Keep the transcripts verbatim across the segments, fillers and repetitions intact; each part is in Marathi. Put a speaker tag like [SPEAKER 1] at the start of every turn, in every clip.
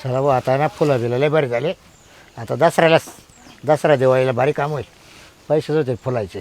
[SPEAKER 1] चला भाऊ आता ना फुलं बिलं लय बरे झाले. आता दसऱ्याला दसरा दिवाळीला भारी काम होईल. पैसेच होते फुलायचे.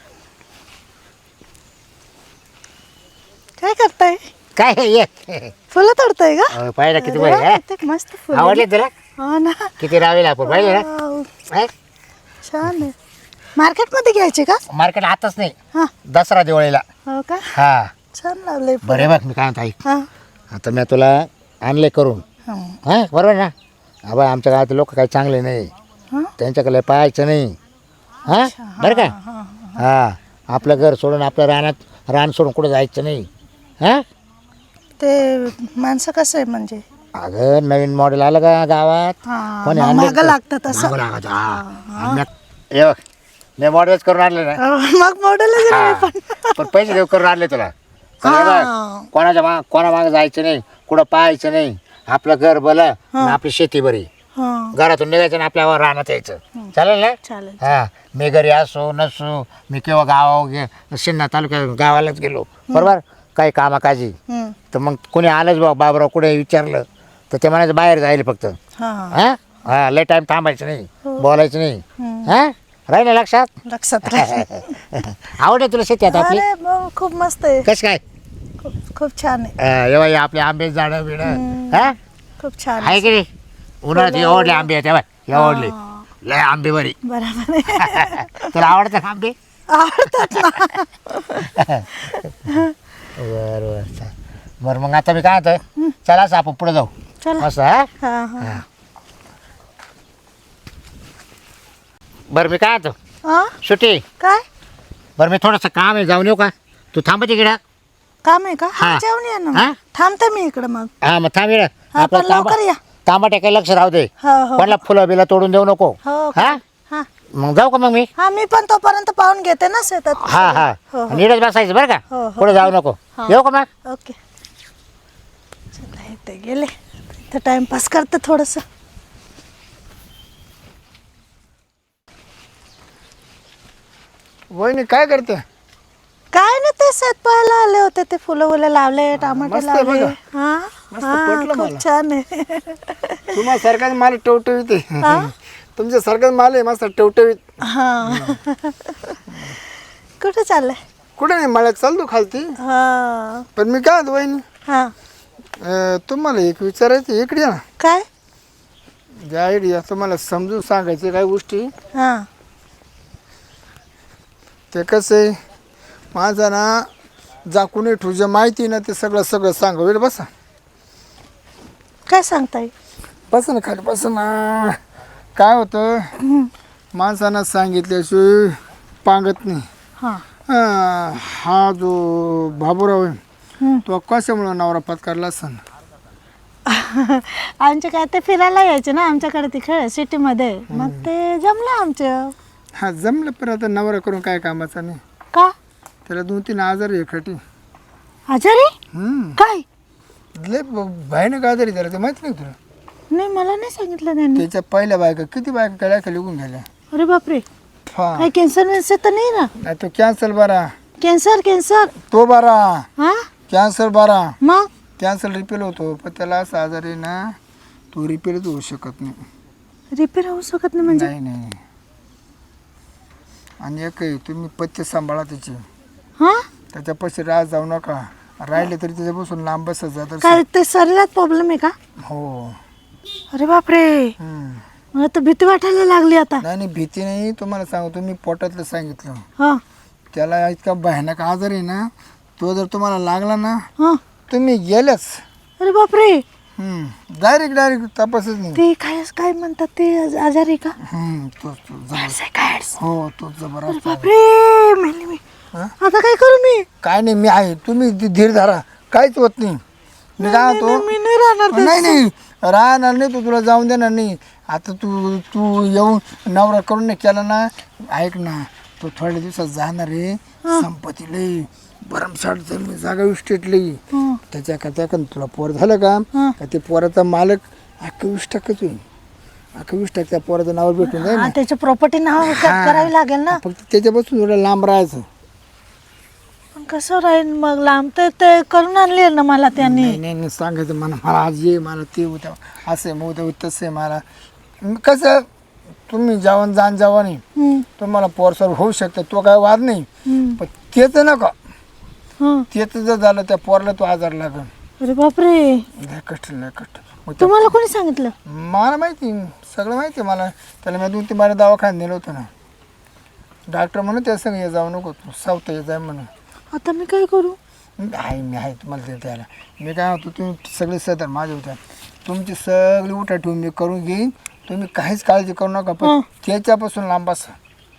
[SPEAKER 2] काय करताय?
[SPEAKER 1] काय हे ये
[SPEAKER 2] फुलं तोडताय का?
[SPEAKER 1] अहो, पाहिलं किती
[SPEAKER 2] अरे
[SPEAKER 1] बरे
[SPEAKER 2] वा,
[SPEAKER 1] आहे.
[SPEAKER 2] किती मस्त फुलं.
[SPEAKER 1] आवडले तुला?
[SPEAKER 2] हो ना.
[SPEAKER 1] किती रावेल आपण पाहिजे ना.
[SPEAKER 2] वाव,
[SPEAKER 1] हा?
[SPEAKER 2] छान आहे. मार्केट मध्ये घ्यायचे का?
[SPEAKER 1] मार्केट आताच नाही,
[SPEAKER 2] हा.
[SPEAKER 1] दसरा दिवाळीला.
[SPEAKER 2] हो का?
[SPEAKER 1] हा
[SPEAKER 2] छान लावलंय फुलं.
[SPEAKER 1] बरे बघ मी काय म्हणतो ऐक.
[SPEAKER 2] हा.
[SPEAKER 1] आता मी तुला आणले करून.
[SPEAKER 2] हा.
[SPEAKER 1] हां बरोबर ना. आबा आमच्या गावात लोक काही चांगले नाही.
[SPEAKER 2] हा?
[SPEAKER 1] त्यांच्याकडे पाहायचं नाही. हां बरं का.
[SPEAKER 2] हा.
[SPEAKER 1] हां आपलं घर सोडून आपलं रानात रान सोडून कुठं जायचं नाही. हां
[SPEAKER 2] ते माणसं कसं आहे म्हणजे?
[SPEAKER 1] अगं नवीन मॉडेल आलं का गावात.
[SPEAKER 2] हा,
[SPEAKER 1] कोणी
[SPEAKER 2] मग
[SPEAKER 1] आणले
[SPEAKER 2] मागं लागतं तसं.
[SPEAKER 1] मागं लागत, हा. आणि मी- हे बघ मी मॉडेलच करून आणले ना.
[SPEAKER 2] हो, मग मॉडेलच
[SPEAKER 1] हा.
[SPEAKER 2] आहे पण.
[SPEAKER 1] पण पैसे देऊ करून आणले तुला. सगळे बघ,
[SPEAKER 2] हा.
[SPEAKER 1] कोणाच्या माग कोणा मागं जायचं नाही, कुठं पाहायचं नाही. आपलं घर भलं आणि आपली शेती बरी.
[SPEAKER 2] हा.
[SPEAKER 1] घरातून निघायचं आणि आपल्या रानात यायचं. चालेल ना.
[SPEAKER 2] चालेल.
[SPEAKER 1] हा मी घरी असो नसो, मी केव्हा गावा गे शिन्ना तालुक्यात गावालाच गेलो बरोबर काही कामाकाजी,
[SPEAKER 2] हम्म.
[SPEAKER 1] तर मग कोणी आलंच बा बाबराव कुठे विचारलं तर ते म्हणायचं बाहेर जायला फक्त.
[SPEAKER 2] हा.
[SPEAKER 1] हां हां लय टाईम थांबायचं नाही,
[SPEAKER 2] हो.
[SPEAKER 1] बोलायचं नाही.
[SPEAKER 2] हम्म.
[SPEAKER 1] हां राहिलं लक्षात.
[SPEAKER 2] लक्षात राहील.
[SPEAKER 1] आवडे तुला शेती आता आपली
[SPEAKER 2] अरे मग खूप मस्त आहे.
[SPEAKER 1] कशी काय.
[SPEAKER 2] खूप खूप छान आहे.
[SPEAKER 1] अं, एव्हा हे आपले आंबे झाडं बिडं
[SPEAKER 2] हम्म.
[SPEAKER 1] हां
[SPEAKER 2] खूप छान
[SPEAKER 1] आहे की नाही. उन्हाळ्यात एवढले आंबे आहेत तेव्हा एवढले
[SPEAKER 2] हा.
[SPEAKER 1] लय आंबे बरी.
[SPEAKER 2] बरोबर आहे.
[SPEAKER 1] तुला आवडतं का आंबे.
[SPEAKER 2] आवडतात ना.
[SPEAKER 1] बरं बरं चाल. बरं मग आता मी काय होतं चला असं आपण पुढे जाऊ.
[SPEAKER 2] चला.
[SPEAKER 1] असं हा
[SPEAKER 2] हा हा.
[SPEAKER 1] हा. बरं मी काय होतो
[SPEAKER 2] हा?
[SPEAKER 1] सुट्टी.
[SPEAKER 2] काय
[SPEAKER 1] बरं मी थोडंसं काम आहे जाऊन येऊ का. तू थांबते इकडं.
[SPEAKER 2] काम आहे का?
[SPEAKER 1] हा.
[SPEAKER 2] हा, जेवण या ना
[SPEAKER 1] हा?
[SPEAKER 2] मग. थांबते मी इकडं मग.
[SPEAKER 1] हा मग थांब इकडं.
[SPEAKER 2] हा,
[SPEAKER 1] आपलं
[SPEAKER 2] पण लवकर या.
[SPEAKER 1] तांबाटे काही लक्ष राहू दे.
[SPEAKER 2] हो हो.
[SPEAKER 1] कोणाला फुलं बिलं तोडून देऊ नको.
[SPEAKER 2] हो
[SPEAKER 1] हा
[SPEAKER 2] हा.
[SPEAKER 1] मग जाऊ का मग मी.
[SPEAKER 2] हा मी पण तोपर्यंत पाहून घेते ना शेतात.
[SPEAKER 1] हा हा
[SPEAKER 2] हो हो.
[SPEAKER 1] नीटच बसायचं बरं का.
[SPEAKER 2] हो, हो.
[SPEAKER 1] पुढे जाऊ नको.
[SPEAKER 2] हा.
[SPEAKER 1] येऊ का मग.
[SPEAKER 2] ओके. चला इथे गेले. इथं टाइमपास करते थोडस.
[SPEAKER 3] वहिनी काय करते?
[SPEAKER 2] काय ना ते शेत पाहायला आले होते. ते फुलं फुलं लावले, टमाटे
[SPEAKER 3] मस्त आहे
[SPEAKER 2] लावले.
[SPEAKER 3] बघा.
[SPEAKER 2] हा
[SPEAKER 3] मस्त
[SPEAKER 2] हा,
[SPEAKER 3] पटलं
[SPEAKER 2] खूप
[SPEAKER 3] मला.
[SPEAKER 2] छान आहे.
[SPEAKER 3] तुम्हाला सारखाच माल टवटवीत आहे.
[SPEAKER 2] हा?
[SPEAKER 3] तुमच्या सारखाच माल आहे मस्त टवटवीत.
[SPEAKER 2] हा. कुठे चाललंय?
[SPEAKER 3] कुठे नाही मळ्यात चालतो खालती.
[SPEAKER 2] हा
[SPEAKER 3] पण मी काय म्हणतो वहिनी,
[SPEAKER 2] हा.
[SPEAKER 3] अं, तुम्हाला एक विचारायचं इकडे या ना.
[SPEAKER 2] काय?
[SPEAKER 3] ज्या आयडिया तुम्हाला समजून सांगायचे काही गोष्टी.
[SPEAKER 2] हा
[SPEAKER 3] ते कसं आहे माझा ना जाकून ठुजे माहिती ना ते सगळं सगळं सांगा. वेळ बसा
[SPEAKER 2] काय सांगताय?
[SPEAKER 3] बसा ना खाली बसा ना. काय होतं माणसानं सांगितल्याशिवाय पांगत नाही.
[SPEAKER 2] हा.
[SPEAKER 3] अं, हा जो बाबूराव आहे
[SPEAKER 2] हम्म.
[SPEAKER 3] तो कशामुळं नवरा पत्कारला असं.
[SPEAKER 2] आमचे काय ते फिरायला यायचे ना आमच्याकडे तिकडे सिटीमध्ये. मग ते जमलं आमचं.
[SPEAKER 3] हा जमलं पण आता नवरा करून काय कामाचा नाही.
[SPEAKER 2] का?
[SPEAKER 3] त्याला दोन तीन आजार आहे खटी.
[SPEAKER 2] आजारी?
[SPEAKER 3] हम्म
[SPEAKER 2] काय?
[SPEAKER 3] लय भयानक आजारी त्याला ते माहिती नाही तुला.
[SPEAKER 2] नाही मला नाही सांगितलं त्यांनी.
[SPEAKER 3] त्याच्या पहिल्या बायका किती बायका काय काय लिहून गेल्या.
[SPEAKER 2] अरे बापरे.
[SPEAKER 3] हा
[SPEAKER 2] काय कॅन्सर वेन्सर तर नाही ना?
[SPEAKER 3] नाही तो कॅन्सर बरा.
[SPEAKER 2] Cancer cancer.
[SPEAKER 3] तो बरा.
[SPEAKER 2] हा
[SPEAKER 3] कॅन्सर बरा.
[SPEAKER 2] मग
[SPEAKER 3] कॅन्सर रिपेल होतो पण त्याला असा आजार आहे ना तो रिपेलच होऊ शकत नाही.
[SPEAKER 2] रिपेअर होऊ शकत नाही म्हणजे?
[SPEAKER 3] नाही नाही. आणि एक आहे, तुम्ही पथ्य सांभाळा त्याची.
[SPEAKER 2] हा.
[SPEAKER 3] त्याच्यापाशी राह जाऊ नका. राहिले तरी त्याच्यापासून लांब बसत जात.
[SPEAKER 2] काय ते शरीरात प्रॉब्लेम आहे का?
[SPEAKER 3] हो.
[SPEAKER 2] अरे बापरे.
[SPEAKER 3] हम्म.
[SPEAKER 2] मला तर भीती वाटायला लागली आता.
[SPEAKER 3] नाही नाही भीती नाही. तुम्हाला सांगतो मी पोटातलं सांगितलं.
[SPEAKER 2] हा
[SPEAKER 3] त्याला इतका भयानक आजार आहे ना तो जर तुम्हाला लागला ना
[SPEAKER 2] हा.
[SPEAKER 3] तुम्ही गेल्याच.
[SPEAKER 2] अरे बापरे.
[SPEAKER 3] डायरेक्ट डायरेक्ट तपासच नाही.
[SPEAKER 2] ते काय काय म्हणतात ते आजारी का?
[SPEAKER 3] हम्म, तोच तो जबरदस्त.
[SPEAKER 2] Seconds.
[SPEAKER 3] हो तोच जबरदस्त आहे.
[SPEAKER 2] बापरे मेली मी.
[SPEAKER 3] हा?
[SPEAKER 2] आता काय करू मी?
[SPEAKER 3] काय नाही मी आहे. तुम्ही धीर धीर धरा. काहीच होत नाही. मी काय
[SPEAKER 2] नाही,
[SPEAKER 3] होतो
[SPEAKER 2] मी नाही राहणार
[SPEAKER 3] नाही नाही राहणार नाही. तू तुला जाऊन देणार नाही. आता तू तू येऊन नवरा करून नाही केला ना ऐक ना तो थोड्या दिवसात जाणार आहे. संपत्ती लई भरमसाठ जमीन जागा इस्टेट लई
[SPEAKER 2] हं.
[SPEAKER 3] त्याच्या करता का तुला पोर झालं का
[SPEAKER 2] हं.
[SPEAKER 3] का ते पोराचा मालक अख्खा वीस टक्केच होईल. अख्खा वीस टक्के त्या पोराचं नाव भेटून जाईल
[SPEAKER 2] हा,
[SPEAKER 3] ना.
[SPEAKER 2] त्याची प्रॉपर्टी नाव क-
[SPEAKER 3] हा.
[SPEAKER 2] करावी लागेल ना.
[SPEAKER 3] फक्त त्याच्यापासून थोडं लांब राहायचं.
[SPEAKER 2] पण कसं राहील मग लांब तर ते करून आणले ना मला त्यांनी.
[SPEAKER 3] नाही नाही नाही, सांगायचं मला मला आज ये मला ते होतं असं आहे मग उद्या तसं आहे मला. मग कसं तुम्ही जेवण जाण जेवण नाही
[SPEAKER 2] हम्म,
[SPEAKER 3] तुम्हाला पोरसर होऊ शकतं तो काय वाद नाही.
[SPEAKER 2] हम्म,
[SPEAKER 3] पण तेच नका
[SPEAKER 2] हं.
[SPEAKER 3] तेच जर झालं त्या पोरला तो आजार लागल.
[SPEAKER 2] अरे बापरे,
[SPEAKER 3] लय कष्ट लय कष्ट. मग त्या-
[SPEAKER 2] तुम्हाला कोणी सांगितलं?
[SPEAKER 3] मला माहिती सगळं माहिती आहे मला. त्याला मी दोन तीन बारा दवाखान्यात नेलं होतं ना. डॉक्टर म्हणून त्या संग ये जाऊ नको तू सावत ये जाय म्हणून.
[SPEAKER 2] आता मी काय करू?
[SPEAKER 3] आहे मी आहे तुम्हाला ते द्यायला. मी काय होतो तुम्ही सगळे सदर माझ्या होत्या तुमची सगळी उठा ठेवून मी करून घेईन. तुम्ही काहीच काळजी करू नका पण
[SPEAKER 2] हं.
[SPEAKER 3] त्याच्यापासून लांब बसा.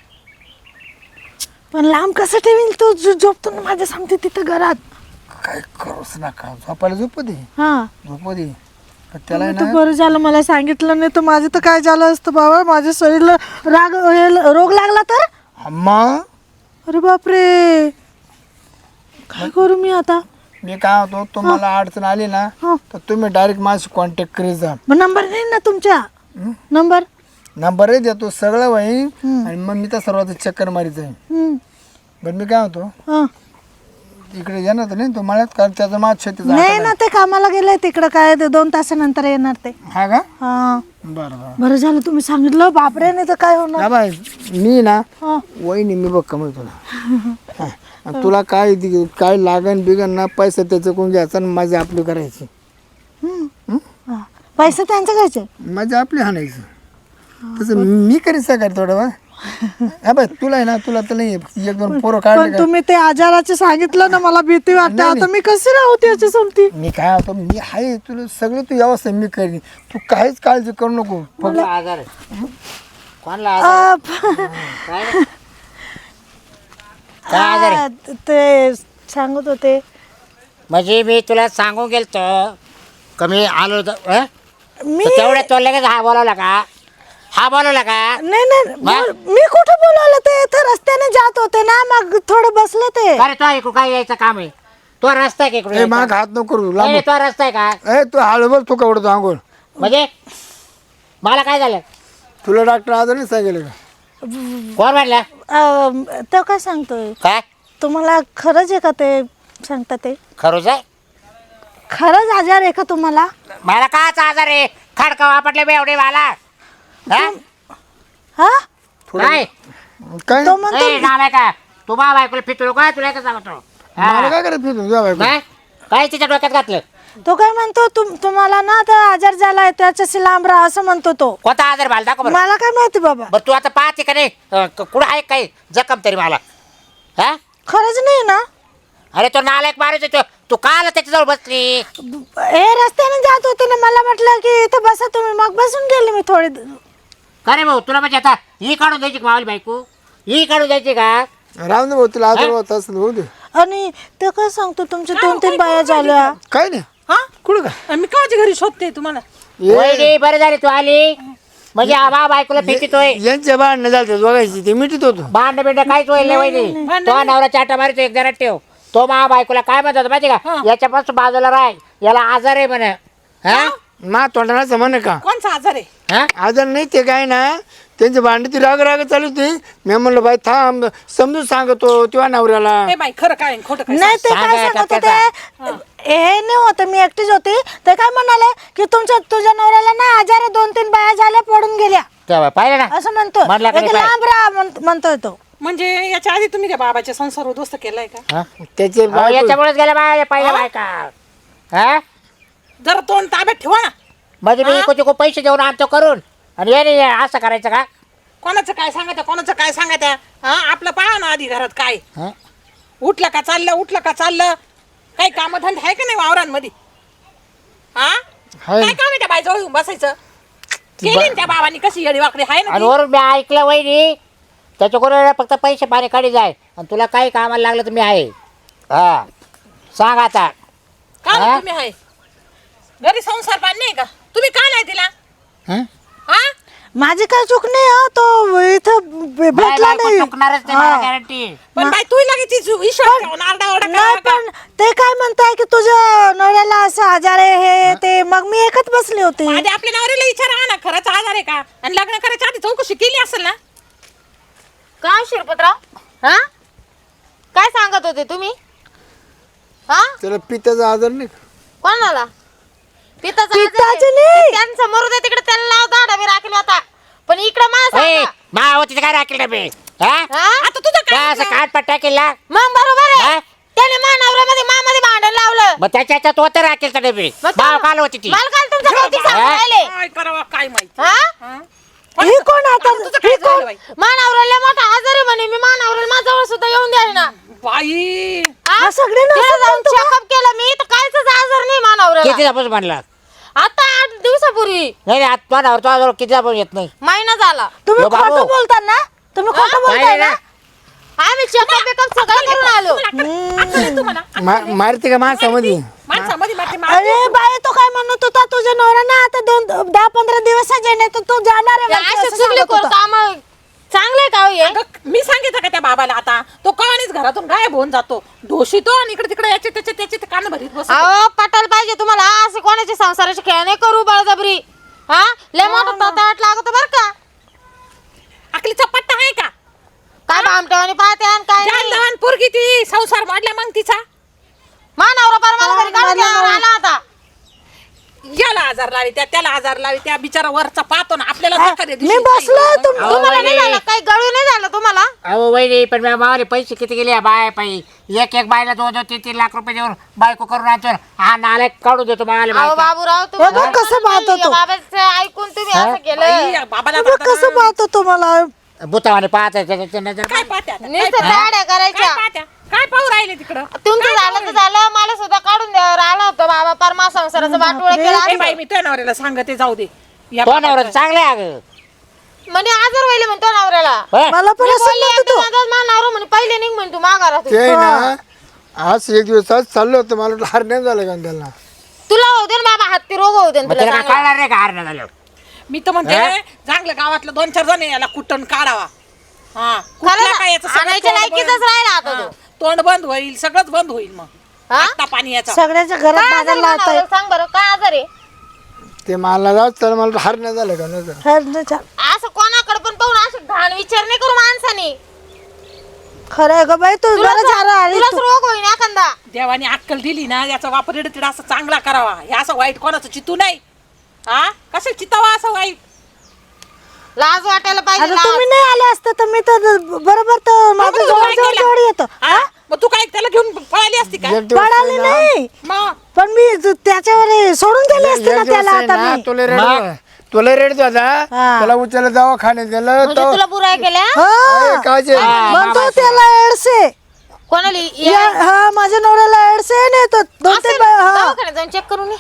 [SPEAKER 2] पण लांब कसं ठेवील तो जो- झोपतो ना माझ्या सांगते तिथं घरात.
[SPEAKER 3] काय करूच नका झोपायला झोपू दे
[SPEAKER 2] हा
[SPEAKER 3] झोपू दे. पण त्याला आहे
[SPEAKER 2] तर
[SPEAKER 3] ना
[SPEAKER 2] बरं झालं मला सांगितलं नाही तर माझं तर काय झालं असतं बाबा. माझ्या शरीराला राग हे- रोग लागला तर.
[SPEAKER 3] अम्मा
[SPEAKER 2] अरे बापरे, काय करू मी आता?
[SPEAKER 3] मी काय होतो तुम्हाला अडचण आली ना
[SPEAKER 2] हा,
[SPEAKER 3] तर तुम्ही डायरेक्ट माझी कॉन्टॅक्ट करीत जा.
[SPEAKER 2] मग नंबर नाही ना तुमच्या? नंबर
[SPEAKER 3] नंबरही देतो सगळं होईल
[SPEAKER 2] हं.
[SPEAKER 3] आणि मग मी तर सर्वात चक्कर मारीत जाईन.
[SPEAKER 2] हं,
[SPEAKER 3] बरं मी काय होतो
[SPEAKER 2] हं.
[SPEAKER 3] इकडे येणार तर नाही तो मळ्यात कारण त्याचं माझ शेती
[SPEAKER 2] नाही ना, ते कामाला गेले तिकडं. काय ते दोन तासानंतर येणार ते.
[SPEAKER 3] हा का
[SPEAKER 2] हा,
[SPEAKER 3] बरं बरं
[SPEAKER 2] बरं झालं तुम्ही सांगितलं. बापरे, नाही तर काय होणार.
[SPEAKER 3] ना बाय मी ना
[SPEAKER 2] हा,
[SPEAKER 3] वहिनी मी बघ कमी तुला हा. आणि तुला काय दि- काय लागन बिगन ना पैसा त्याचं कोण घ्यायचा आणि माझी आपली करायची.
[SPEAKER 2] हं. हा. पैसे त्यांचे घ्यायचे.
[SPEAKER 3] माझी आपली हाणायची तसं मी करीत सकाळ थोडं बा. हा बाय तुला आहे ना तुला तर नाही एक दोन पोरं काढले
[SPEAKER 2] पण
[SPEAKER 3] का
[SPEAKER 2] तुम्ही ते आजाराचे सांगितलं ना, मला भीती वाटते.
[SPEAKER 3] नाही,
[SPEAKER 2] आता मी कशी राहू त्याची समती?
[SPEAKER 3] मी काय होतो मी आहे तुला सगळं तू व्यवस्था मी करीन. तू काहीच काळजी करू नको.
[SPEAKER 1] कोणला आजार आहे कोणला आजार काय काय आजार आहे?
[SPEAKER 2] आ, ते सांगत होते.
[SPEAKER 1] म्हणजे मी तुला सांगून गेलतो कमी आलो होतो हं?
[SPEAKER 2] मी
[SPEAKER 1] तर तेवढ्या तो लगेच हा बोलावला का हा बोलावला का
[SPEAKER 2] नाही नाही बोल- मी कुठं बोलवलं? ते इथं रस्त्याने जात होते ना, मग थोडं बसले ते.
[SPEAKER 1] अरे तो इकडून काय यायचं काम आहे? तो रस्ता आहे का इकडून
[SPEAKER 3] ए
[SPEAKER 1] यायचा?
[SPEAKER 3] माग हात नको करू
[SPEAKER 1] नाही,
[SPEAKER 3] लांब.
[SPEAKER 1] नाही, तो रस्ता आहे का?
[SPEAKER 3] ए तू हळू बोल तू कवडतो आंघोळ.
[SPEAKER 1] म्हणजे मला काय झालं?
[SPEAKER 3] तुला डॉक्टर आजार नाही सांगेल का?
[SPEAKER 1] कोण म्हणलं
[SPEAKER 2] अं, तो काय सांगतोय?
[SPEAKER 1] काय
[SPEAKER 2] तुम्हाला खरंच आहे का ते सांगता ते?
[SPEAKER 1] खरोच आहे?
[SPEAKER 2] खरंच आजार आहे का तुम्हाला?
[SPEAKER 1] मला काच आजार आहे? खडका वापरले बेवडे मला हा?
[SPEAKER 2] हा,
[SPEAKER 1] काय
[SPEAKER 3] काय
[SPEAKER 2] तो म्हणतो
[SPEAKER 1] ए, नाव आहे का तू बाबा ऐकलं फितलो काय तुला काय सांगतो
[SPEAKER 3] मला
[SPEAKER 1] हा?
[SPEAKER 3] काय करायचं नाही तुझ्या बायको.
[SPEAKER 1] काय काय तिच्या डोक्यात घातलं?
[SPEAKER 2] तो काय म्हणतो, तुम तुम्हाला ना आता आजार झालाय त्याच्याशी लांब राहा असं म्हणतो तो.
[SPEAKER 1] कोणता आजार मला दाखव बरं.
[SPEAKER 2] मला काय माहिती बाबा.
[SPEAKER 1] बरं तू आता पाहते का नाही अं, क- कुठं आहे काही जखम तरी मला हा?
[SPEAKER 2] खरंच नाही ना?
[SPEAKER 1] अरे तो नालायक मारायचं तो तू का आला त्याच्याजवळ बसली?
[SPEAKER 2] हे रस्त्याने जात होते ना, मला म्हटलं की इथं बसा तुम्ही, मग बसून गेले मी थोडे.
[SPEAKER 1] का रे भाऊ तुला म्हणजे आता ही काढून द्यायची का मावली बायको? ही काढून द्यायची का?
[SPEAKER 3] राम दे भाऊ तुला आजार होत असेल होऊ दे.
[SPEAKER 2] आणि ते काय सांगतो, तुमच्या दोन तीन बाया झाल्या.
[SPEAKER 3] काय नाही
[SPEAKER 4] हा
[SPEAKER 3] कुठं काय
[SPEAKER 4] मी काळजी घरी शोधते तुम्हाला.
[SPEAKER 3] ये-
[SPEAKER 1] वहिनी बरं झाली तू आली म्हणजे आबा बायकोला फेकितोय.
[SPEAKER 3] यांच्या भांडणं झालं बघायची ते मिठीत होतो.
[SPEAKER 1] भांड बिंड काहीच होईल नाही वहिनी.
[SPEAKER 4] भांडण
[SPEAKER 1] तो नवरा चाटा मारतो एक जरा ठेव. तो मा बायकोला काय म्हणतात माहिती का? याच्यापासून बाजूला राह, याला आजार आहे म्हणे. हा
[SPEAKER 3] मा तोंडाचा म्हणे का
[SPEAKER 4] कोणचा आजार आहे?
[SPEAKER 1] हा?
[SPEAKER 3] आजार नाही ते काय ना त्यांची भांडी ती राग राग चालू होती. मी म्हणलं बाई थांब समजून सांगतो तेव्हा नवऱ्याला.
[SPEAKER 4] ए बाई खरं काय आणि खोटं काय?
[SPEAKER 2] नाही ते
[SPEAKER 1] सांगा
[SPEAKER 2] काय सांगत
[SPEAKER 1] टप्प्याचा.
[SPEAKER 2] होते, हे नाही होतं, मी एकटीच होती. ते काय म्हणाले की तुमच्या तुझ्या नवऱ्याला ना आजार आहे, दोन तीन बाया झाल्या पडून गेल्या
[SPEAKER 1] तेव्हा पाहिलं ना
[SPEAKER 2] असं म्हणतो.
[SPEAKER 1] म्हणला का
[SPEAKER 2] एक
[SPEAKER 1] नाही
[SPEAKER 2] लांब राहा म्हण- म्हणतोय तो.
[SPEAKER 4] म्हणजे याच्या आधी तुम्ही काय बाबाच्या संसार उद्ध्वस्त केलाय का?
[SPEAKER 1] हा?
[SPEAKER 3] त्याचे
[SPEAKER 1] अहो,
[SPEAKER 3] बायको-
[SPEAKER 1] याच्यामुळेच गेल्या बाय पहिल्या बायका हा
[SPEAKER 4] जरा तोंड ताब्यात ठेवा ना.
[SPEAKER 1] म्हणजे मी इको तिको पैसे देऊन आणतो करून आणि ये नाही असं करायचं का?
[SPEAKER 4] कोणाचं काय सांगत कोणाचं काय सांगत हा? आपलं पहा ना आधी घरात काय
[SPEAKER 1] हा?
[SPEAKER 4] उठलं का चाललं उठलं का चाललं. काही कामधंदा आहे का नाही वावरांमध्ये? हा
[SPEAKER 3] हाय.
[SPEAKER 4] काय काम आहे त्या बाईजवळ येऊन बसायचं? केली ना त्या बाबांनी कशी येडी वाकडी आहे ना
[SPEAKER 1] आणि
[SPEAKER 4] ती?
[SPEAKER 1] वरून मी ऐकलं वहिनी त्याच्याकडून फक्त पैसे पाणी काढी जाय आणि तुला काही कामाला लागलं तर मी आहे. हा सांग आता.
[SPEAKER 4] का
[SPEAKER 1] हा?
[SPEAKER 4] नाही तुम्ही आहे घरी संसार पाणी नाही का? तुम्ही का नाही तिला?
[SPEAKER 1] हा?
[SPEAKER 4] हा
[SPEAKER 2] माझी काय चूक नाही हो, तो इथं भे-
[SPEAKER 1] बाय
[SPEAKER 2] भेटला
[SPEAKER 1] बायको
[SPEAKER 2] नाही.
[SPEAKER 1] चुकणारच नाही
[SPEAKER 2] हा.
[SPEAKER 1] मला गॅरंटी.
[SPEAKER 4] पण बाई तू लगेच तिची विश्वास ठेवून आरडाओरडा
[SPEAKER 2] नाही
[SPEAKER 4] करा
[SPEAKER 2] पण ते काय म्हणताय की तुझ्या नवऱ्याला असं आजार आहे हे ते, मग मी एकच बसली होती.
[SPEAKER 4] आधी आपल्या नवऱ्याला विचारा ना खरंच आजार आहे का, आणि लग्न करायच्या आधी चौकशी केली असेल ना.
[SPEAKER 5] काय शिरपतराव, हा काय सांगत होते तुम्ही? हा
[SPEAKER 3] त्याला पित्ताचा आजार नाही का?
[SPEAKER 5] कोणाला पिताचा
[SPEAKER 2] पित्ताचं नाही.
[SPEAKER 5] त्यांचं मरू दे तिकडे त्याला लाव दाडा मी राखील होता पण इकडे मला
[SPEAKER 1] ए,
[SPEAKER 5] सांगा.
[SPEAKER 1] माव तिथे काय राखेल डबे हा
[SPEAKER 5] हा?
[SPEAKER 4] आता तुझं
[SPEAKER 1] काय
[SPEAKER 4] काय
[SPEAKER 1] असं काट पट्टा केला
[SPEAKER 5] मग बरोबर
[SPEAKER 1] हा?
[SPEAKER 5] आहे त्याने मानावऱ्यामध्ये मामध्ये भांडण लावलं
[SPEAKER 1] मग त्याच्या ह्याच्यात होतं राखेल डबे
[SPEAKER 5] मग
[SPEAKER 1] भाव
[SPEAKER 5] तो-
[SPEAKER 1] काल होती ती
[SPEAKER 5] मला काल तुमचं कौतिक सांगून
[SPEAKER 1] हा?
[SPEAKER 5] राहिले
[SPEAKER 4] काय करावं काय माहिती
[SPEAKER 5] हा
[SPEAKER 4] हा?
[SPEAKER 2] ही कोण आता
[SPEAKER 4] तुझं काय झालं बाई?
[SPEAKER 5] मानावऱ्याला मोठा आजार आहे म्हणे मी मानावऱ्याला माझ्याजवळ सुद्धा येऊन द्याय ना
[SPEAKER 4] बाई
[SPEAKER 2] हा सगळे
[SPEAKER 5] तिला
[SPEAKER 2] नसतात
[SPEAKER 5] जाऊन चेकअप केलं मी तर कायच आजार नाही मानावऱ्याला
[SPEAKER 1] किती दाबच म्हणला
[SPEAKER 5] आता आठ दिवसापूर्वी
[SPEAKER 1] नाही नाही आता नावर तो किती दाबच येत नाही
[SPEAKER 5] महिना झाला
[SPEAKER 2] तुम्ही
[SPEAKER 1] यो बाबू.
[SPEAKER 2] खोटं बोलता ना तुम्ही खोटं
[SPEAKER 1] काय
[SPEAKER 2] बोलताय
[SPEAKER 1] ना
[SPEAKER 2] ना
[SPEAKER 5] आम्ही चेकअप बेकअप सगळं करून आलो
[SPEAKER 4] अक्कल आहे तुम्हाला
[SPEAKER 3] मा- मारते का माणसामध्ये
[SPEAKER 4] माणसामध्ये मारते
[SPEAKER 2] अरे बाई तो काय म्हणत होता तुझ्या नवरा ना आता दोन दहा पंधरा दिवस येणे तर तू जाणार आहे म्हणते,
[SPEAKER 5] असे
[SPEAKER 2] असं
[SPEAKER 5] चुगली
[SPEAKER 2] सांगत होता.
[SPEAKER 5] काम चांगले का हो हे?
[SPEAKER 4] अगं, मी सांगितलं का त्या बाबाला आता तो कळणीच घरातून गायब होऊन जातो ढोशीतो आणि इकडे तिकडे याचे त्याचे त्याचे ते कान भरीत बसतो
[SPEAKER 5] अहो पटायला पाहिजे तुम्हाला असे कोणाचे संसाराचे खेळ नाही करू बळजबरी हा लय मोठा तोटाट लागतो बर का
[SPEAKER 4] अकलीचा पट्टा आहे का
[SPEAKER 5] काय भामटेवानी पाहते आणि काय
[SPEAKER 4] जान
[SPEAKER 5] नाही
[SPEAKER 4] लहान पोरगी ती संसार वाढला मग तिचा
[SPEAKER 5] मानावरा परमाला घरी काढून द्यावर आला होता
[SPEAKER 4] याला आजार लावी त्या त्याला आजार लावी त्या बिचारा वरचा पाहतो ना आपल्याला
[SPEAKER 2] हा,
[SPEAKER 4] धक्का दे
[SPEAKER 2] मी
[SPEAKER 4] दिवशी
[SPEAKER 2] बसलो
[SPEAKER 4] काही.
[SPEAKER 2] तुम
[SPEAKER 1] अहो,
[SPEAKER 5] तुम्हाला नाही
[SPEAKER 1] वहिनी.
[SPEAKER 5] झालं काही गळू नाही झालं तुम्हाला
[SPEAKER 1] अहो वहिनी पण मी मावले पैसे किती गेले बाय पायी एक एक बायला दोन दोन तीन तीन लाख रुपये देऊन बायको करून आणतो हा नाला काढून देतो मावाले
[SPEAKER 5] अहो
[SPEAKER 1] बायका.
[SPEAKER 5] बाबूराव
[SPEAKER 2] हे बघ कसं पाहतो तो.
[SPEAKER 5] बाबाचं ऐकून तुम्ही असं केलं
[SPEAKER 4] बाई, बाबाला
[SPEAKER 2] बघ
[SPEAKER 4] आता-
[SPEAKER 2] कसं पाहतो तुम्हाला
[SPEAKER 1] भूतावाने पाहत त्याच्या नजर
[SPEAKER 4] काय पाहत्या आता? काय
[SPEAKER 5] नुसतं
[SPEAKER 4] पाहत्या?
[SPEAKER 5] दाड्या
[SPEAKER 4] काय
[SPEAKER 5] करायच्या
[SPEAKER 4] पाहत्या? काय पाहू राहिले तिकडं
[SPEAKER 5] तुमचं झालं तर झालं मला सुद्धा काढून द्यावर आला होता बाबा परमा संसाराचं वाटोळ केलं
[SPEAKER 4] ए
[SPEAKER 5] असं.
[SPEAKER 4] बाई मी तुझ्या नवऱ्याला सांगते जाऊ दे या
[SPEAKER 1] तो
[SPEAKER 4] बाबाचं-
[SPEAKER 1] नवरा चांगला आहे अगं
[SPEAKER 5] म्हणजे आजार व्हायला म्हणतो नवऱ्याला
[SPEAKER 1] होय?
[SPEAKER 2] मला पण
[SPEAKER 5] मी
[SPEAKER 2] असं
[SPEAKER 5] बोलले
[SPEAKER 2] म्हणत
[SPEAKER 5] एकदा
[SPEAKER 2] होतो
[SPEAKER 5] माझा मा नवरा म्हणे पहिले निघ म्हणे तू माघारात
[SPEAKER 3] ते ना आज एक दिवस आज चाललो होतं मला वाटलं हार नाही झालं का त्याला
[SPEAKER 5] तुला होऊ दे ना बाबा हत्ती रोग होऊ दे ना
[SPEAKER 1] मग
[SPEAKER 5] तुला
[SPEAKER 1] त्याला काय
[SPEAKER 5] चांगला.
[SPEAKER 1] कळणार नाही का हार नाही झालं
[SPEAKER 4] मी तर म्हणते
[SPEAKER 1] हा?
[SPEAKER 4] चांगलं गावातलं दोन चार जण आहे, याला कुटण काढावा हा
[SPEAKER 5] खरं
[SPEAKER 4] कुठला
[SPEAKER 5] ना?
[SPEAKER 4] काय याचं सगळं
[SPEAKER 5] आणायच्या
[SPEAKER 4] तोंड
[SPEAKER 5] लायकीचाच
[SPEAKER 4] बंद-
[SPEAKER 5] राहिला आता
[SPEAKER 4] हा,
[SPEAKER 5] तो.
[SPEAKER 4] तोंड बंद होईल सगळंच बंद होईल मग
[SPEAKER 5] हा?
[SPEAKER 4] आता पाणी याचा
[SPEAKER 2] सगळ्याच्या घरात
[SPEAKER 5] काय आजार
[SPEAKER 2] बाजारला
[SPEAKER 5] आहे
[SPEAKER 2] आता
[SPEAKER 5] नवऱ्याला? सांग बरं काय आजार आहे
[SPEAKER 3] ते मला जाऊ चल मला हार नाही झालं का नाही झालं.
[SPEAKER 5] असं कोणाकडे पण पाहून असं घाण विचार नाही करू माणसाने
[SPEAKER 2] खरं आहे ग बाई तू
[SPEAKER 5] तुलाच
[SPEAKER 2] बरं झालं आली
[SPEAKER 5] तुलाच
[SPEAKER 2] तू.
[SPEAKER 5] रोग होईन एखादा
[SPEAKER 4] देवाने अक्कल दिली ना याचा वापर इडतीड असं चांगला करावा हे असं वाईट कोणाचं चितू नाही हा कसं चितावा असं वाईट
[SPEAKER 5] लाज वाटायला पाहिजे
[SPEAKER 2] आता
[SPEAKER 5] लाज.
[SPEAKER 2] तुम्ही नाही आले असते तर मी तर बरोबर तर माझं
[SPEAKER 4] तू
[SPEAKER 2] जवळ
[SPEAKER 4] काय
[SPEAKER 2] जवळ
[SPEAKER 4] केलं?
[SPEAKER 2] जवळ येतो
[SPEAKER 4] हा? मग तू काय त्याला घेऊन पळाली असती का
[SPEAKER 3] एक दिवस
[SPEAKER 2] पडाली
[SPEAKER 3] आहे ना,
[SPEAKER 2] नाही
[SPEAKER 4] मग
[SPEAKER 2] पण मी ज- त्याच्यावर सोडून गेले
[SPEAKER 3] एक
[SPEAKER 2] असते ना
[SPEAKER 3] दिवस
[SPEAKER 2] त्याला
[SPEAKER 3] आहे
[SPEAKER 2] आता
[SPEAKER 3] ना,
[SPEAKER 2] मी
[SPEAKER 3] तुला रेड तुला रेड होता
[SPEAKER 2] हा.
[SPEAKER 3] त्याला उचलला दवाखान्यात गेलं
[SPEAKER 5] म्हणजे
[SPEAKER 3] तो
[SPEAKER 5] तुला बुराई केल्या
[SPEAKER 2] हा
[SPEAKER 3] काजे
[SPEAKER 2] म्हणतो त्याला एडसे
[SPEAKER 5] कोणाला
[SPEAKER 2] या- हा माझ्या नवऱ्याला एडसे नाही तो दोन तीन बाय- हा
[SPEAKER 5] दवाखान्यात जाऊन चेक करून ये.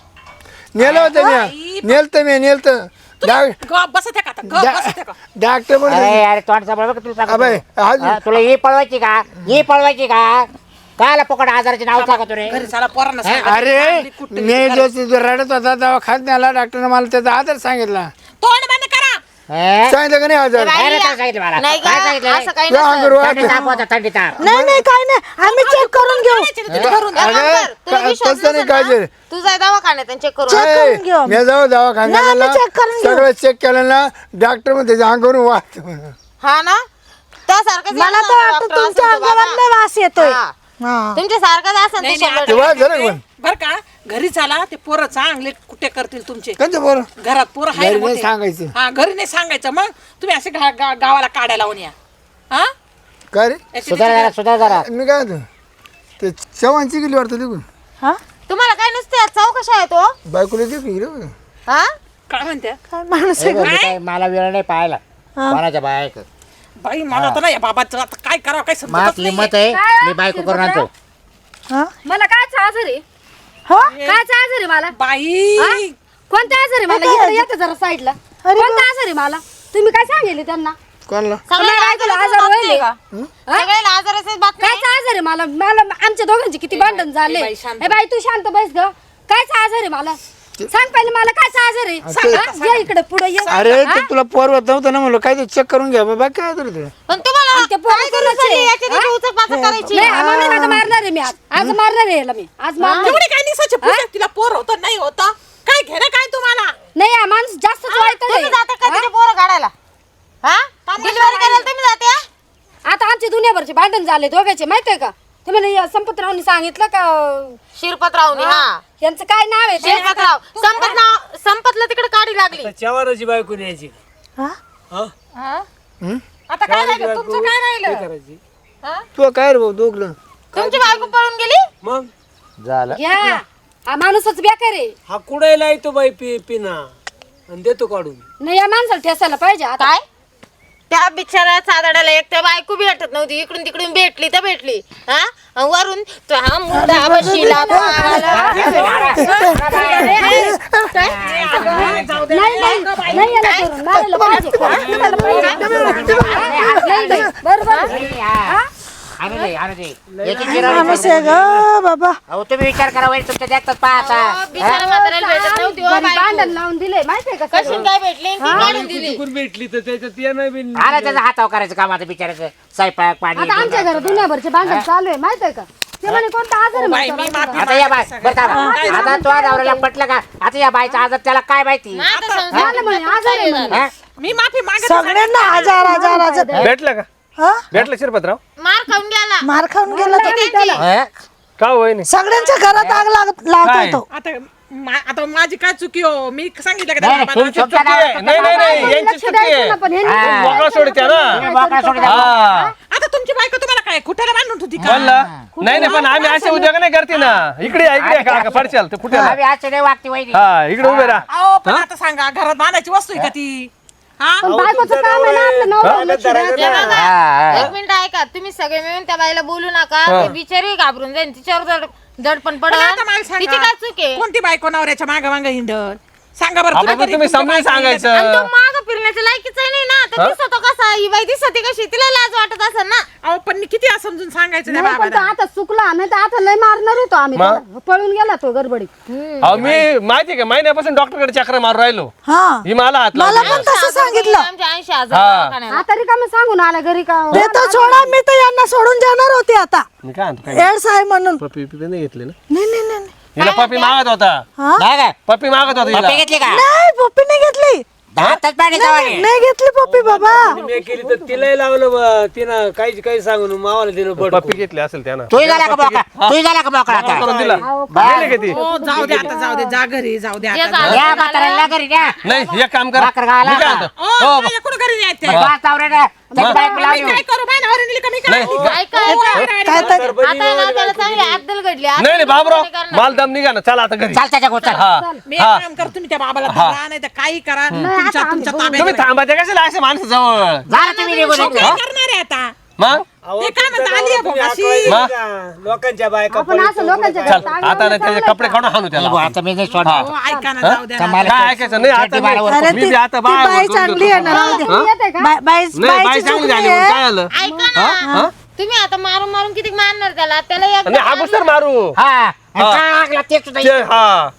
[SPEAKER 3] नेलं होतं मी नेलतं मी नेलतं डाक-
[SPEAKER 4] गप बसत आहे का आता? गप बसत आहे का
[SPEAKER 3] डा- डॉक्टर
[SPEAKER 1] अरे
[SPEAKER 3] म्हणजे
[SPEAKER 1] अरे तोंड सांभाळ बघ तुला
[SPEAKER 3] अबे,
[SPEAKER 1] सांगतो.
[SPEAKER 3] आज-
[SPEAKER 1] हा, तुला ही पळवायची का ही पळवायची का काला पकड आजाराचे नाव सांगतो रे
[SPEAKER 4] घरी साला पोरांना
[SPEAKER 1] हा?
[SPEAKER 4] सांगा.
[SPEAKER 3] अरे
[SPEAKER 4] चांगली कुट्टी
[SPEAKER 3] मी
[SPEAKER 4] करा.
[SPEAKER 3] जो जो रडत होता दवाखान्यात नेला डॉक्टरने मला त्याचा आधार सांगितला
[SPEAKER 4] तोंड बंद करा
[SPEAKER 1] हे?
[SPEAKER 3] सांगितलं का नाही आजार
[SPEAKER 5] बाई,
[SPEAKER 1] काय रे काय सांगितलं मला?
[SPEAKER 5] नाही
[SPEAKER 1] काय
[SPEAKER 5] का
[SPEAKER 1] सांगितलं?
[SPEAKER 5] असं काही
[SPEAKER 3] या
[SPEAKER 5] नसतं.
[SPEAKER 3] अंगावर वाट-
[SPEAKER 1] थंडी ताप होता थंडी ताप
[SPEAKER 2] नाही नाही काय नाही आम्ही चेक करून घेऊ
[SPEAKER 4] तिथे घरून
[SPEAKER 5] एक काम
[SPEAKER 3] अरे,
[SPEAKER 5] कर, तुला
[SPEAKER 3] का-
[SPEAKER 5] विश्वास
[SPEAKER 3] तसं नाही
[SPEAKER 5] नसेल ना,
[SPEAKER 3] काळजी.
[SPEAKER 5] तू जाय दवाखान्यात आणि चेक करून
[SPEAKER 2] चेक
[SPEAKER 5] आण.
[SPEAKER 2] करून घेऊ आम्ही.
[SPEAKER 3] मी जाऊ दवाखान्यात
[SPEAKER 2] नाही,
[SPEAKER 3] गेला,
[SPEAKER 2] आम्ही check करून घेऊ.
[SPEAKER 3] सगळं चेक केलं ना डॉक्टर मध्ये त्याच्या अंगावरून वाट
[SPEAKER 5] हा ना त्यासारखंच
[SPEAKER 2] मला
[SPEAKER 5] येणार
[SPEAKER 2] तर
[SPEAKER 5] ना
[SPEAKER 2] वाटतं
[SPEAKER 5] डॉक्टर
[SPEAKER 2] तुमच्या
[SPEAKER 5] असेल तो
[SPEAKER 2] अंगावर
[SPEAKER 5] बाबा.
[SPEAKER 2] लय वास येतोय
[SPEAKER 5] हा.
[SPEAKER 2] हा.
[SPEAKER 5] तुमच्या सारखंच असेल
[SPEAKER 4] नाही,
[SPEAKER 5] ते
[SPEAKER 4] नाही,
[SPEAKER 5] शंभर
[SPEAKER 4] आता
[SPEAKER 3] तेव्हा
[SPEAKER 5] टक्के.
[SPEAKER 3] झालं का पण?
[SPEAKER 4] बर का घरी चाला ते पोरं चांगले कुठे करतील तुमचे
[SPEAKER 3] कंच बरं
[SPEAKER 4] घरात पोरं आहे
[SPEAKER 3] घरी
[SPEAKER 4] ना
[SPEAKER 3] नाही
[SPEAKER 4] मोठे.
[SPEAKER 3] सांगायचं.
[SPEAKER 4] हा घरी नाही सांगायचं मग तुम्ही असे गा- गा- गावाला काढायला लावून या हा
[SPEAKER 3] काय रे
[SPEAKER 4] याची
[SPEAKER 1] सुधार जरा सुधार जरा
[SPEAKER 3] मी काय म्हणतो ते चव्हाणची गेली वाटतं तिकडून
[SPEAKER 2] हा
[SPEAKER 5] तुम्हाला काय नुसते चौकशा आहे तो
[SPEAKER 3] बायकोला देखील गेली बघ.
[SPEAKER 5] हा
[SPEAKER 4] काय म्हणते
[SPEAKER 2] काय माणूस
[SPEAKER 1] हे बघ, मी काय मला वेळ नाही पाहायला
[SPEAKER 2] हा.
[SPEAKER 1] कोणाच्या बायक
[SPEAKER 4] बाई मला तर नाही बाबाचं आता काय करावं काय
[SPEAKER 1] मात
[SPEAKER 4] समजत
[SPEAKER 1] लिमत
[SPEAKER 4] नाहीये.
[SPEAKER 1] आहे मी बायको करून आणतो
[SPEAKER 2] हा
[SPEAKER 6] मला काय आजार आहे
[SPEAKER 2] हो
[SPEAKER 6] काय आजार आहे मला
[SPEAKER 4] बाई
[SPEAKER 6] कोणता आजार आहे मला
[SPEAKER 2] काय
[SPEAKER 6] इकडे येतं जरा साईडला
[SPEAKER 2] अरे
[SPEAKER 6] कोणता आजार आहे मला तुम्ही काय सांगितले त्यांना
[SPEAKER 3] कोणाला
[SPEAKER 5] सगळ्याला
[SPEAKER 6] काय
[SPEAKER 5] आजार
[SPEAKER 6] तुला
[SPEAKER 5] असेल
[SPEAKER 6] आजार
[SPEAKER 5] बातमी
[SPEAKER 6] होईल
[SPEAKER 5] का? सगळ्याला आजार असेल बातमी
[SPEAKER 6] काय आजार आहे मला मला आमच्या दोघांचे किती भांडण झाले
[SPEAKER 4] ए बाई, शांत.
[SPEAKER 6] ए बाई तू शांत बस ग काय आजार आहे मला सांग पहिले मला काय आजार आहे
[SPEAKER 3] ते-
[SPEAKER 6] हा? ये इकडे पुढे ये
[SPEAKER 3] अरे
[SPEAKER 6] हा?
[SPEAKER 3] ते तुला पोरवत नव्हतं ना म्हणलं काय ते चेक करून घ्या बाबा काय तरी ते
[SPEAKER 5] पण तुम्हाला
[SPEAKER 6] आणि ते पोरं
[SPEAKER 5] काय गरज
[SPEAKER 6] कोणाचे?
[SPEAKER 5] झाली याची त्याची उचलपाचल करायची
[SPEAKER 6] नाही आम्हाला आता मारणार आहे मी आज आज मारणार आहे याला मी आज मारणार आहे.
[SPEAKER 4] एवढी काय निसाची पूजा तिला पोर होतं नाही होतं काय घेणं काय तुम्हाला
[SPEAKER 6] नाही हा माणूस जास्त
[SPEAKER 5] तुम्ही जाता का तिथे पोरं काढायला हा डिलिव्हरी करायला तुम्ही जाते हा?
[SPEAKER 6] आता आमचे दुनियाभरचे भांडण झाले दोघांचे माहितीये का ते म्हणे संपतरावनी सांगितलं का
[SPEAKER 5] शिरपतरावनी हा
[SPEAKER 6] यांचं काय नाव आहे ते?
[SPEAKER 5] शिरपतराव संपत नाव संपतला तिकडे काढी लागली
[SPEAKER 7] चव्हाणाची बायको न्यायची
[SPEAKER 2] हा?
[SPEAKER 7] हा
[SPEAKER 4] हा? आता काय राहिलं तुमचं काय राहिलं
[SPEAKER 7] करायची
[SPEAKER 4] हा?
[SPEAKER 3] तू काय रे भाऊ दोघलं
[SPEAKER 5] तुमची बायको पळून गेली
[SPEAKER 7] मग
[SPEAKER 1] झालं
[SPEAKER 6] घ्या हा माणूसच बेकार आहे.
[SPEAKER 7] हा कुडायला येतो बाई पि पिना आणि देतो काढून.
[SPEAKER 6] नाही या माणसाला ठेसायला पाहिजे आता.
[SPEAKER 5] काय त्या बिचारा चादडाला एक तर बायको भेटत नव्हती इकडून तिकडून भेटली तर भेटली हा अन वरून तो हा मुद्दा बशीला
[SPEAKER 6] नाही नाही नाही याला करून मारायला पाहिजे. मारायला पाहिजे. नाही नाही बरोबर हा?
[SPEAKER 1] आणू दे आणू दे याची जिरवणी
[SPEAKER 2] माणूस आहे ग बाबा.
[SPEAKER 1] अहो तुम्ही विचार करा वैर तुमच्या देखतात पाहता
[SPEAKER 5] बिचारा म्हाताऱ्याला भेटत नव्हती हो
[SPEAKER 6] घरी
[SPEAKER 5] बायको.
[SPEAKER 6] भांडण लावून दिले माहितीये का
[SPEAKER 5] कशी
[SPEAKER 6] सगळं?
[SPEAKER 5] काय भेटली आणि ती काढून दिली
[SPEAKER 7] चुकून भेटली तर त्याच्यात ये नाही बिन
[SPEAKER 1] आला त्याचा हातावर करायचं काम आता बिचारायचं स्वयंपाक पाणी
[SPEAKER 6] आता आमच्या घरात दुनियाभरचे भांडण चालू आहे माहितीये का? ते म्हणे कोणता आजार आहे
[SPEAKER 4] बाई,
[SPEAKER 6] म्हणतो
[SPEAKER 4] मी
[SPEAKER 6] बायकोला.
[SPEAKER 4] माफी
[SPEAKER 1] आता या बाय बरं थांबा. आता तो नवऱ्याला पटलं का आता या बायचा आजार त्याला काय माहिती
[SPEAKER 5] मग आता संसार
[SPEAKER 6] झालं म्हणे आजार आहे म्हणे.
[SPEAKER 1] हा?
[SPEAKER 4] मी माफी मागत
[SPEAKER 2] सगळ्यांना हजार हजार हजार
[SPEAKER 8] भेटलं का
[SPEAKER 2] हा?
[SPEAKER 8] भेटलं शिरपतराव
[SPEAKER 5] मार खाऊन गेला
[SPEAKER 2] मार खाऊन गेला तो.
[SPEAKER 1] हा?
[SPEAKER 8] का होय नाही
[SPEAKER 2] सगळ्यांच्या घरात आग लाग- लावतोय
[SPEAKER 8] काय?
[SPEAKER 2] तो.
[SPEAKER 4] आता मा- आता माझी काय चुकी हो मी सांगितलं का
[SPEAKER 1] नाही,
[SPEAKER 4] त्या
[SPEAKER 1] नाही,
[SPEAKER 4] बाबाला?
[SPEAKER 1] तुमची तुमच्या नवऱ्याला
[SPEAKER 8] नाही नाही नाही
[SPEAKER 6] बायकोला
[SPEAKER 8] यांची
[SPEAKER 6] लक्ष
[SPEAKER 8] चुकी
[SPEAKER 6] द्यायचं
[SPEAKER 8] आहे
[SPEAKER 6] ना, पण ह्यांनी
[SPEAKER 1] हा.
[SPEAKER 8] मोकळा सोडत्या ना
[SPEAKER 1] तुम्ही मोकळा सोडून द्या.
[SPEAKER 8] हा
[SPEAKER 4] आता तुमची बायको तुम्हाला काय कुठे बांधून होती का
[SPEAKER 8] म्हणलं नाही नाही पण आम्ही असे उद्योग नाही करते ना इकडे या, इकडे या, काका पडशाल तर कुठे
[SPEAKER 1] आम्ही आज नाही वागते वैरी
[SPEAKER 8] हा इकडे उभे राहा
[SPEAKER 4] अहो पण आता सांगा घरात बांधायची वस्तू आहे का ती हा
[SPEAKER 6] पण बायकोचं काम आहे ना आपलं नवरा लक्ष द्यायचं.
[SPEAKER 5] हे बघा,
[SPEAKER 1] हा, हा.
[SPEAKER 5] एक मिनिट ऐका तुम्ही सगळे मिळून त्या बाईला बोलू नका ती बिचारी घाबरून जाईल तिच्यावर जड दडपण
[SPEAKER 4] पण आता मला
[SPEAKER 5] पडल
[SPEAKER 4] सांगा,
[SPEAKER 5] तिची काय चूक आहे
[SPEAKER 4] कोणती बायको नवऱ्याच्या माग माग हिंडल सांगा बरं
[SPEAKER 8] आपण
[SPEAKER 4] तरी
[SPEAKER 8] तुम्ही
[SPEAKER 4] तुमच्या
[SPEAKER 8] समजून
[SPEAKER 4] बायकोला
[SPEAKER 5] आणि तो
[SPEAKER 8] सांगायचं
[SPEAKER 5] माग फिरण्याच्या लायकीच नाही ना तर दिसतो कसा ही बाई दिसते कशी तिला लाज वाटत असेल ना
[SPEAKER 4] अहो पण मी किती असं समजून सांगायचं त्या
[SPEAKER 6] नाही पण तो
[SPEAKER 4] बाबाला
[SPEAKER 6] आता चुकला नाही तर आता लय मारणार होतो आम्ही
[SPEAKER 8] मग?
[SPEAKER 6] त्याला. पळून गेला तो गडबडीत.
[SPEAKER 8] अहो मी माहिती का महिन्यापासून डॉक्टरकडे चक्र मारून राहिलो
[SPEAKER 2] हा
[SPEAKER 8] ही मला हात
[SPEAKER 2] मला
[SPEAKER 8] लावली.
[SPEAKER 2] पण तसं सांगितलं.
[SPEAKER 5] आमच्या ऐंशी हजार
[SPEAKER 8] हा.
[SPEAKER 5] दवाखान्याला.
[SPEAKER 6] आता रिकामी सांगून आला घरी का
[SPEAKER 2] ते तर सोडा मी तर यांना सोडून जाणार होते आता
[SPEAKER 8] मी काय म्हणतो काय
[SPEAKER 2] एड्स आहे म्हणून.
[SPEAKER 8] पप्पी पिपी नाही घेतली ना
[SPEAKER 2] नाही नाही नाही नाही.
[SPEAKER 8] हिला पप्पी मागत होता
[SPEAKER 2] हा?
[SPEAKER 1] नाही का?
[SPEAKER 8] पप्पी मागत होता हिला
[SPEAKER 1] पप्पी घेतली का
[SPEAKER 2] नाही पप्पी नाही घेतली.
[SPEAKER 1] हातात पाणी
[SPEAKER 2] नाही नाही घेतली पप्पी बाबा.
[SPEAKER 7] मी केली तर तिलाही लावलं बा. तिनं काही काही सांगून मावाला दिलं बड
[SPEAKER 8] पप्पी घेतली असेल त्यानं
[SPEAKER 1] तू झाला का मोकळा तू झाला का मोकळा आता
[SPEAKER 8] करून दिला
[SPEAKER 1] बरं.
[SPEAKER 8] गेली का ती
[SPEAKER 4] हो जाऊ दे आता जाऊ दे जा घरी जाऊ दे
[SPEAKER 5] जे
[SPEAKER 4] आता
[SPEAKER 5] झालं
[SPEAKER 1] या म्हाताऱ्याला घरी द्या
[SPEAKER 8] नाही एक काम कर
[SPEAKER 1] भाकर घाला.
[SPEAKER 8] मी काय म्हणतो?
[SPEAKER 4] ओ,
[SPEAKER 8] हो
[SPEAKER 4] माझ्या कुठं घरी न्यायचं
[SPEAKER 1] मग पाच नवऱ्याला त्याची बायको लावली
[SPEAKER 4] मी काय करू माझ्या नवऱ्याने दिली का मी काय
[SPEAKER 8] नाही.
[SPEAKER 4] करू?
[SPEAKER 5] ऐका
[SPEAKER 4] ओ,
[SPEAKER 5] ऐका.
[SPEAKER 4] अरे, अरे,
[SPEAKER 2] काय
[SPEAKER 4] अरे.
[SPEAKER 2] तर
[SPEAKER 5] आता आहे ना त्याला चांगली अद्दल घडली आता
[SPEAKER 8] नाही नाही
[SPEAKER 5] तुम्ही
[SPEAKER 8] बाबराव
[SPEAKER 5] कोणी करणार?
[SPEAKER 8] माल दम निघा ना चला आता घरी
[SPEAKER 1] चाल त्याच्या गोचा
[SPEAKER 8] हा
[SPEAKER 4] मी एक
[SPEAKER 8] हा
[SPEAKER 4] काम कर तुम्ही त्या बाबाला धरा नाही तर काही करा तुमच्या तुमच्या ताब्यात
[SPEAKER 8] तुम्ही थांबायचे कशाला असे माणसं जवळ
[SPEAKER 1] झालं तुम्ही निघून
[SPEAKER 4] काय
[SPEAKER 1] येतो.
[SPEAKER 4] करणार आहे आता
[SPEAKER 8] मग
[SPEAKER 7] अहो,
[SPEAKER 4] ते काय म्हणता,
[SPEAKER 7] तुमचं
[SPEAKER 4] आली आहे
[SPEAKER 7] गावात तुम्ही
[SPEAKER 4] भाऊ, अशी.
[SPEAKER 7] आठवायला
[SPEAKER 8] मग?
[SPEAKER 7] जा. लोकांच्या बायका
[SPEAKER 6] आपण असं लोकांच्या
[SPEAKER 8] चल
[SPEAKER 6] घरात आग
[SPEAKER 8] आता
[SPEAKER 6] लावणं
[SPEAKER 8] नाही त्याचे
[SPEAKER 6] चांगलं
[SPEAKER 8] कपडे
[SPEAKER 6] का?
[SPEAKER 8] काढून हाणू त्याला
[SPEAKER 1] निघू, आता मी नाही सोडणार
[SPEAKER 4] हो ऐका ना जाऊ द्या ना.
[SPEAKER 1] मला
[SPEAKER 8] काय ऐकायचं नाही आता
[SPEAKER 1] शेती बाळावर
[SPEAKER 8] मी-
[SPEAKER 2] अरे
[SPEAKER 8] मी
[SPEAKER 2] ती
[SPEAKER 8] बी आता
[SPEAKER 2] ती
[SPEAKER 8] बाय
[SPEAKER 2] बाई चांगली आहे ना राहू दे.
[SPEAKER 6] तुम्ही येते का?
[SPEAKER 2] बाई- बाई
[SPEAKER 8] नाही बाई
[SPEAKER 2] बाईची
[SPEAKER 8] चांगली
[SPEAKER 2] चुकी
[SPEAKER 8] झाली
[SPEAKER 2] आहे.
[SPEAKER 8] म्हणून काय आलं
[SPEAKER 5] ऐका ना तुम्ही आता मारून मारून किती मारणार त्याला त्याला
[SPEAKER 8] आणि
[SPEAKER 5] एकदा
[SPEAKER 8] अगोदर मारू
[SPEAKER 1] हा आणि काय लागला ते सुद्धा
[SPEAKER 8] ते- हा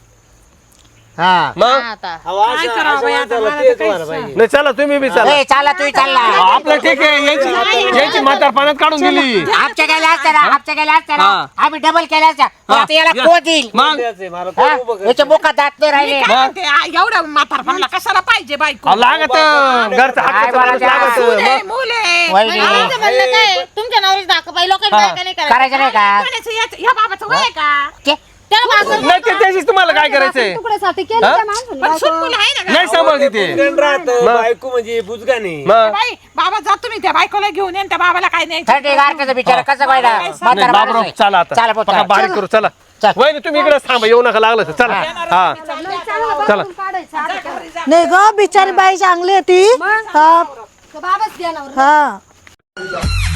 [SPEAKER 1] हा
[SPEAKER 8] मग
[SPEAKER 5] हा, आता
[SPEAKER 4] काय करावं बाई आता मला तर
[SPEAKER 7] तेच
[SPEAKER 4] काही
[SPEAKER 7] व्हायला पाहिजे.
[SPEAKER 8] नाही चला तुम्ही बी चला
[SPEAKER 1] ए, चालला तुम्ही चालला
[SPEAKER 8] आपलं ठीक आहे यांची यांची म्हातार पाण्यात काढून दिली
[SPEAKER 1] आमच्या गेल्या असत्या ना आमच्या गेल्या असत्या ना
[SPEAKER 8] हा.
[SPEAKER 1] आम्ही डबल केल्या असत्या पण
[SPEAKER 8] हा.
[SPEAKER 1] आता याला
[SPEAKER 8] या.
[SPEAKER 1] को देईल
[SPEAKER 8] मग
[SPEAKER 7] तेच आहे, मला
[SPEAKER 1] हा?
[SPEAKER 7] तो उभं कर.
[SPEAKER 1] याच्या मुखात दात नाही राहिले
[SPEAKER 4] काय म्हणते, आ, एवढ्या म्हातारपणाला कशाला पाहिजे बायको
[SPEAKER 8] अहो, लागत घरचं
[SPEAKER 1] काय
[SPEAKER 8] हक्काचं माणूस
[SPEAKER 1] बोलायचं?
[SPEAKER 8] लागत
[SPEAKER 4] मुले
[SPEAKER 8] मग.
[SPEAKER 4] मुले
[SPEAKER 1] वहिनी
[SPEAKER 5] माझं म्हणणं काय तुमच्या नवरीच दाखव बाई लोकांनी
[SPEAKER 8] हा.
[SPEAKER 5] बायका नाही करायचं
[SPEAKER 1] करायचं नाही का
[SPEAKER 4] कोणाचं याचं- या बाबाचं वय आहे का
[SPEAKER 1] ते-
[SPEAKER 5] त्याला भाकर
[SPEAKER 8] नाही ते त्याशीच तुम्हाला काय करायचंय
[SPEAKER 6] तुकड्यासाठी केलं त्या माणसाने
[SPEAKER 4] पण सून
[SPEAKER 6] बायको.
[SPEAKER 4] मुलं आहे ना
[SPEAKER 8] नाही
[SPEAKER 4] का?
[SPEAKER 8] सांभाळते ते
[SPEAKER 7] उलटण राहतं, बायको म्हणजे बुजगा नाही
[SPEAKER 8] मग
[SPEAKER 4] बाई बाबा जा तुम्ही त्या बायकोला घेऊन ये आणि त्या बाबाला काय नाही
[SPEAKER 1] थंडी गारठ्याचा बिचारा कसा पाहिला
[SPEAKER 8] नाही बाबराव चला आता
[SPEAKER 1] चला भाऊ,
[SPEAKER 8] पका
[SPEAKER 1] चला.
[SPEAKER 8] बारीक करू चला
[SPEAKER 1] चल.
[SPEAKER 8] वहिनी तुम्ही इकडे थांबा येऊ नका लागलं तर चला हा
[SPEAKER 6] लय चांगलं
[SPEAKER 8] चला.
[SPEAKER 6] बाथरूम काढायचं आता काय?
[SPEAKER 2] नाही ग बिचारी बाई चांगली आहे ती. हा
[SPEAKER 6] तो बाबाच द्या नवरा.
[SPEAKER 2] हा